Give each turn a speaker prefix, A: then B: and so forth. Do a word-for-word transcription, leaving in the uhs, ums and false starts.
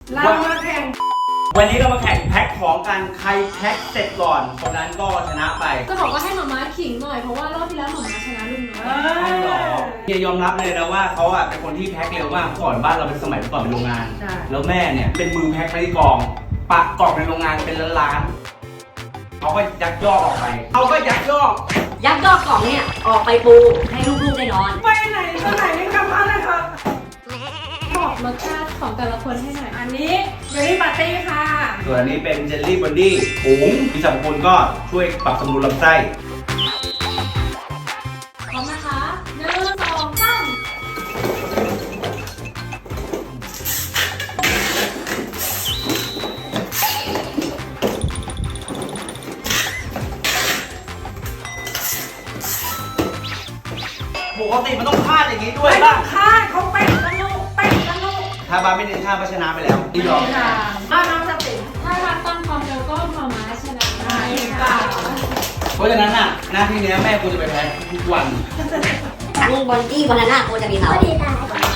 A: เรามาแข่ง
B: วันนี้เรามาแข่งแพ็คของกันใครแพ็คเสร็จก่อนคนนั้นก็ชนะไป
C: จะบอกว่าให้หมาม้าขิงหน่อยเพราะว่ารอบที่แล้วหมาม้าชนะลุงน้อย
B: หรอเฮียยอมรับเลยนะว่าเขาอ่ะเป็นคนที่แพ็คเร็วมากก่อนบ้านเราเป็นสมัยก่อนเป็นโรงงานแล้วแม่เนี่ยเป็นมือแพ็คไปที่กองปะกล่องในโรงงานเป็นล้านๆเขาก็ยักยอกออกไปเขาก็ยักยอก
D: ยักยอกกล่องเนี่ยออกไปปูให้ลูกๆได้นอน
A: ไปไหนไปไหนไม่กลับบ้านเลยค่ะ
C: บอกรสชาติของแต่ละคนให้หน่อย
A: อันนี้เจลลี่ปาร์ตี้ค่ะ
B: ส่วนอันนี้เป็นเจลลี่บอนดี้ผงมีสรรพคุณก็ช่วยปรับสมดุลลำไส้
C: พร้อมนะคะหนึ่งสองสาม
B: ปกติมันต้องคาดอย่างนี้ด้วยป่ะ
A: คาดเขาเป๊ะกันลูกเป๊ะกันลูก
B: ถ้าบ้าไม่เน้นคาดก็ชนะไปแล้วที่ยอม
A: บ้านน้องสติ
C: ถ้ารักตามความเร็วก็หมาม้าชนะได้ค่ะ
B: เพราะฉะนั้นน่ะหน้าที่นี้แม่กูจะไปแพ้ทุกวัน
D: ลุงบอลจี้บอลน่าโคจะมีเขา